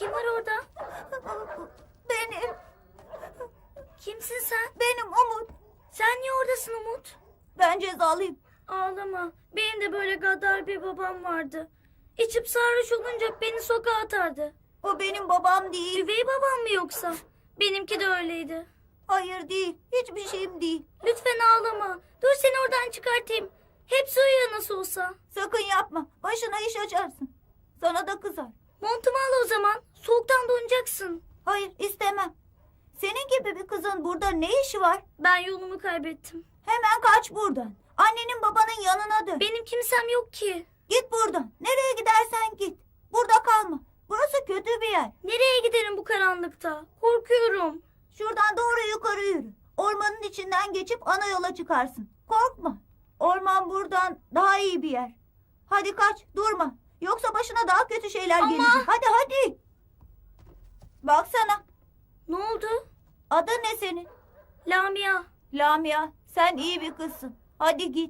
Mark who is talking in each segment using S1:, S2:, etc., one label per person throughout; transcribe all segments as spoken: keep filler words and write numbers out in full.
S1: Kim var orada?
S2: Benim,
S1: Kimsin sen?
S2: benim Umut.
S1: Sen niye oradasın Umut?
S2: Ben cezalıyım.
S1: Ağlama. Benim de böyle gaddar bir babam vardı. İçip sarhoş olunca beni sokağa atardı.
S2: O benim babam değil.
S1: Üvey babam mı yoksa? Benimki de öyleydi.
S2: Hayır değil, hiçbir şeyim değil.
S1: Lütfen ağlama. Dur seni oradan çıkartayım. Hepsi uyuyor nasıl olsa.
S2: Sakın yapma, başına iş açarsın. Sana da kızar.
S1: Montumu al o zaman. Soğuktan donacaksın.
S2: Hayır, istemem. Senin gibi bir kızın burada ne işi var?
S1: Ben yolumu kaybettim.
S2: Hemen kaç buradan. Annenin babanın yanına dön.
S1: Benim kimsem yok ki.
S2: Git buradan. Nereye gidersen git. Burada kalma. Burası kötü bir yer.
S1: Nereye giderim bu karanlıkta? Korkuyorum.
S2: Şuradan doğru yukarı yürü. Ormanın içinden geçip ana yola çıkarsın. Korkma. Orman buradan daha iyi bir yer. Hadi kaç, durma. Yoksa başına daha kötü şeyler
S1: Ama-
S2: gelecek. Hadi hadi. Baksana.
S1: Ne oldu?
S2: Adın ne senin?
S1: Lamia.
S2: Lamia. Sen iyi bir kızsın. Hadi git.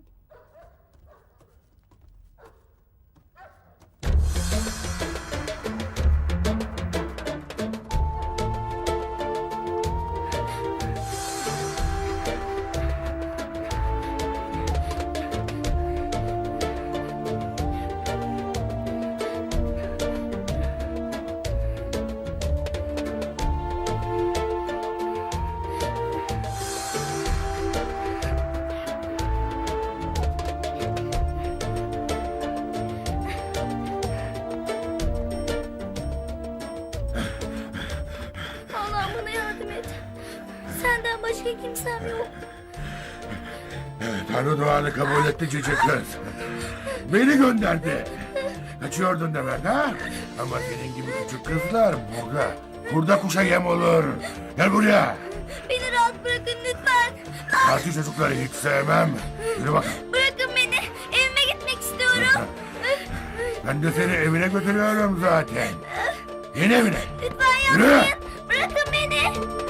S1: Allah'ım bana yardım et. Senden başka kimsem yok.
S3: Tanrı duanı kabul etti cici kız. Beni gönderdi. Kaçıyordun demek ha? Ama senin gibi küçük kızlar burada. Burada kuşa yem olur. Gel buraya.
S1: Beni rahat bırakın lütfen.
S3: Parti çocukları hiç sevmem. Yürü bak.
S1: Bırakın beni. Evime gitmek istiyorum.
S3: Ben de seni evine götürüyorum zaten. Yeni evine.
S1: Lütfen
S3: Yürü.
S1: yapmayın. Bırakın beni.